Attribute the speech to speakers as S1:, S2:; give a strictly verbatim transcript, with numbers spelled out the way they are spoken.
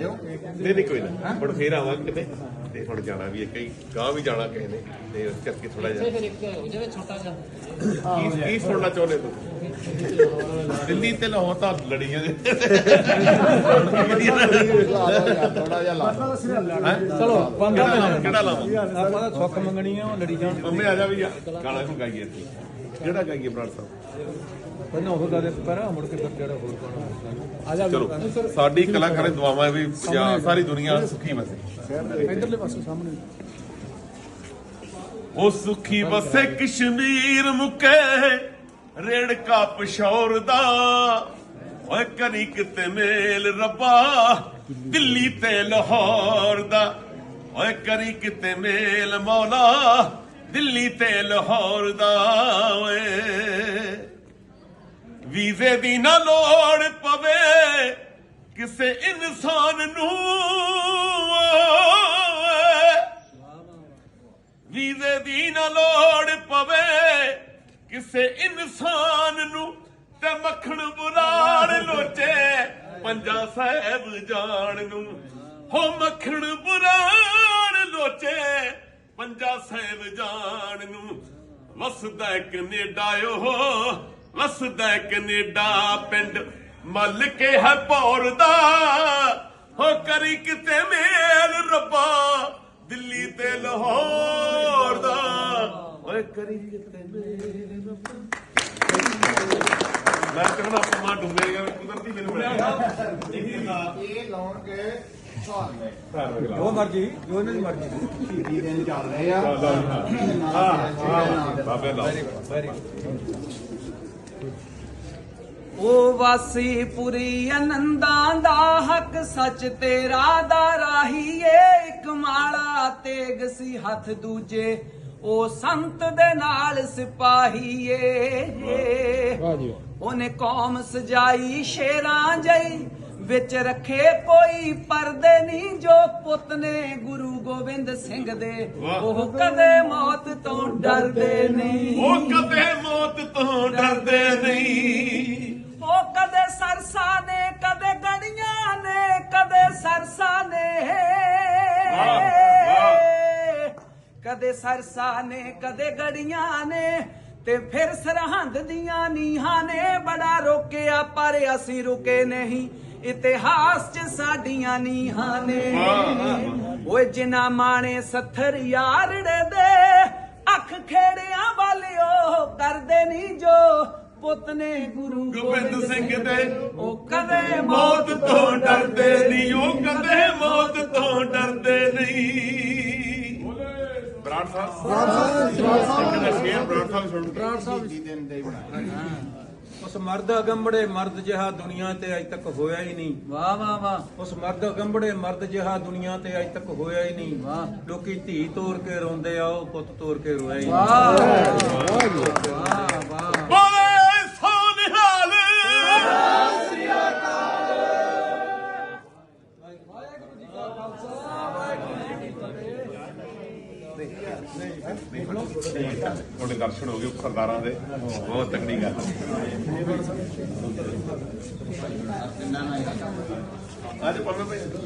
S1: ਦਿਓ।
S2: ਨਹੀਂ ਨਹੀਂ ਕੋਈ ਨਾ, ਹੁਣ ਫੇਰ ਆਵਾਂਗੇ ਕਿਤੇ ਤੇ ਹੁਣ ਜਾਣਾ ਵੀ ਹੈ, ਕਈ ਗਾਂ ਵੀ ਜਾਣਾ ਕਿਸੇ ਨੇ ਤੇ ਇਸ ਕਰਕੇ ਥੋੜਾ ਜਿਹਾ
S3: ਫਿਰ ਇੱਕ ਹੋ ਜਾਵੇ ਛੋਟਾ ਜਿਹਾ
S2: ਕੀ ਕੀ ਸੁਣਨਾ ਚਾਹੁੰਦੇ ਤੂੰ? ਦਿੱਲੀ ਤੇ ਲਾਹੌਰ ਤਾਂ ਲੜੀ ਜਾਂਦੇ
S1: ਥੋੜਾ ਜਿਹਾ ਲਾ
S4: ਚਲੋ ਪੰਗਾ
S2: ਕਿਹੜਾ ਲਾਵਾਂ?
S4: ਆਪਾਂ ਤਾਂ ਸੁੱਖ ਮੰਗਣੀ ਆ ਲੜੀ ਜਾਣ
S2: ਮੰਮੀ ਆ ਜਾ ਵੀ ਗਾਣਾ ਨੂੰ ਗਾਈਏ ਇੱਥੇ, ਕਿਹੜਾ ਗਾਈਏ ਬਰਾੜ ਸਾਹਿਬ?
S4: ਪਹਿਲਾਂ ਉਹ ਗੱਲ ਪਰ ਮੁੜ ਕੇ ਫਿਰ ਜਿਹੜਾ ਹੋਰ ਪਾਣਾ ਆ ਜਾ
S2: ਚਲੋ ਸਾਡੀ ਕਲਾਕਾਰਾਂ ਦੀ ਦੁਆਵਾਂ ਵੀ ਪੰਜਾਬ ਸਾਰੀ ਦੁਨੀਆ ਸੁਖੀ ਵਸੇ।
S4: ਇਧਰਲੇ ਪਾਸੇ ਸਾਹਮਣੇ
S2: ਉਹ ਸੁਖੀ ਵਸੇ ਕਸ਼ਮੀਰ ਮੁਕੇ ਰੇੜਕਾ ਪਸ਼ੌਰ ਦਾ, ਓਏ ਕਰੀ ਕਿਤੇ ਮੇਲ ਰੱਬਾ ਦਿੱਲੀ ਤੇ ਲਾਹੌਰ ਦਾ, ਓਏ ਕਰੀ ਕਿਤੇ ਮੇਲ ਮੌਲਾ ਦਿੱਲੀ ਤੇ ਲਾਹੌਰ ਦਾ। ਓਏ ਵੀਜ਼ੇ ਦੀ ਨਾ ਲੋੜ ਪਵੇ ਕਿਸੇ ਇਨਸਾਨ ਨੂੰ, ਵੀਜ਼ੇ ਦੀ ਨਾ ਲੋੜ ਪਵੇ ਕਿਸੇ ਇਨਸਾਨ ਨੂੰ, ਤੇ ਮੱਖਣ ਬੁਲਾਣ ਲੋਚੇ ਪੰਜਾ ਸਾਹਿਬ ਜਾਣ ਨੂੰ। ਹੋ ਮੱਖਣ ਬੁਲਾਣ ਲੋਚੇ ਪੰਜਾ ਸਾਹਿਬ ਜਾਣ ਨੂੰ। ਵਸਦਾ ਕੈਨੇਡਾ ਓ ਵਸਦਾ ਕੈਨੇਡਾ ਪਿੰਡ ਮੱਲ ਕੇ ਹੈ ਭੌਰ ਦਾ, ਹੋ ਕਰੀ ਕਿਤੇ ਮੇਲ ਰੱਬਾ ਦਿੱਲੀ ਤੇ ਲਾਹੌਰ ਦਾ, ਓਏ ਕਰੀ ਕਿਤੇ ਮੇਲ ਰੱਬਾ। ਮੈਂ ਕਹਿੰਦਾ ਆਪਾਂ ਡੁੱਬੇ ਗਿਆ ਕੁਦਰਤੀ ਮੈਨੂੰ ਮਿਲਿਆ
S1: ਇਹ ਲਾਉਣ ਕੇ ਸਾਲ ਨੇ
S4: ਜੋ ਮਰਜੀ ਜੋ ਇਹਨਾਂ ਦੀ ਮਰਜੀ
S1: ਸ਼ਹੀਦੀ ਦਿਨ ਚੱਲ ਰਹੇ ਆ।
S2: ਬਾਬੇ ਲਾ
S5: ਉਹ ਵਾਸੀ ਪੁਰੀ ਅਨੰਦਾਂ ਦਾ ਹੱਕ ਸੱਚ ਤੇਰਾ ਦਾ ਰਾਹੀਏ। ਇੱਕ ਮਾਲਾ ਤੇਗ ਸੀ ਹੱਥ ਦੂਜੇ ਉਹ ਸੰਤ ਦੇ ਨਾਲ ਸਿਪਾਹੀਏ। ਉਹਨੇ ਕੌਮ ਸਜਾਈ ਸ਼ੇਰਾਂ ਜਈ ਵਿੱਚ ਰੱਖੇ ਕੋਈ ਪਰਦੇ ਨਹੀਂ। ਜੋ ਪੁੱਤ ਨੇ ਗੁਰੂ ਗੋਬਿੰਦ ਸਿੰਘ ਦੇ ਉਹ ਕਦੇ ਮੌਤ ਤੋਂ ਡਰਦੇ ਨਹੀਂ।
S2: ਉਹ ਕਦੇ ਮੌਤ ਤੋਂ ਡਰਦੇ ਨਹੀਂ।
S5: ਉਹ ਕਦੇ ਸਰਸਾ ਨੇ ਕਦੇ ਗੜੀਆਂ ਨੇ ਕਦੇ ਸਰਸਾ ਨੇ, ਕਦੇ ਸਰਸਾ ਨੇ ਕਦੇ ਗੜੀਆਂ ਨੇ, ਤੇ ਫਿਰ ਸਰਹੰਦ ਦੀਆਂ ਨੀਹਾਂ ਨੇ। ਬੜਾ ਰੋਕਿਆ ਪਰ ਅਸੀਂ ਰੁਕੇ ਨਹੀਂ, ਇਤਿਹਾਸ 'ਚ ਸਾਡੀਆਂ ਨੀਹਾਂ ਨੇ। ਓਏ ਜਿਨ੍ਹਾਂ ਮਾਣੇ ਸੱਥਰ ਯਾਰੜੇ ਦੇ ਅੱਖ ਖੇੜਿਆਂ ਵਾਲਿਓ ਕਰਦੇ ਨਹੀਂ। ਜੋ ਪੁੱਤ ਨੇ ਗੁਰੂ
S2: ਗੋਬਿੰਦ ਸਿੰਘ ਦੇ
S5: ਉਹ ਕਦੇ
S2: ਮੌਤ ਤੋਂ ਡਰਦੇ ਨਹੀਂ। ਉਹ ਕਦੇ ਮੌਤ ਤੋਂ ਡਰਦੇ ਨਹੀਂ। ਬਰਾੜ ਸਾਹਿਬ ਬਰਾੜ ਸਾਹਿਬ
S1: ਬਰਾੜ ਸਾਹਿਬ ਸ਼ਹੀਦੀ ਦਿਨ ਦੇ ਬਣਾਏ।
S4: ਉਸ ਮਰਦ ਅਗੰਬੜੇ ਮਰਦ ਜਿਹਾ ਦੁਨੀਆ ਤੇ ਅਜ ਤੱਕ ਹੋਇਆ ਹੀ ਨਹੀਂ।
S5: ਵਾਹ ਵਾਹ ਵਾਹ।
S4: ਉਸ ਮਰਦ ਅਗੰਬੜੇ ਮਰਦ ਜਿਹਾ ਦੁਨੀਆ ਤੇ ਅਜ ਤੱਕ ਹੋਇਆ ਹੀ ਨਹੀਂ।
S5: ਵਾਹ।
S4: ਲੋਕੀ ਧੀ ਤੋਰ ਕੇ ਰੋਂਦੇ ਆ, ਉਹ ਪੁੱਤ ਤੋਰ ਕੇ ਰੋਇਆ ਹੀ ਨਹੀਂ।
S5: ਵਾਹ ਵਾਹ ਵਾਹ।
S2: ਬੋਲੇ ਸੋਨਿਹਾਲ ਤੁਹਾਡੇ ਦਰਸ਼ਨ ਹੋ ਗਏ ਸਰਦਾਰਾਂ ਦੇ, ਬਹੁਤ ਤਕੜੀ ਗੱਲ। ਅੱਜ ਪਰਮੇ ਭਾਈ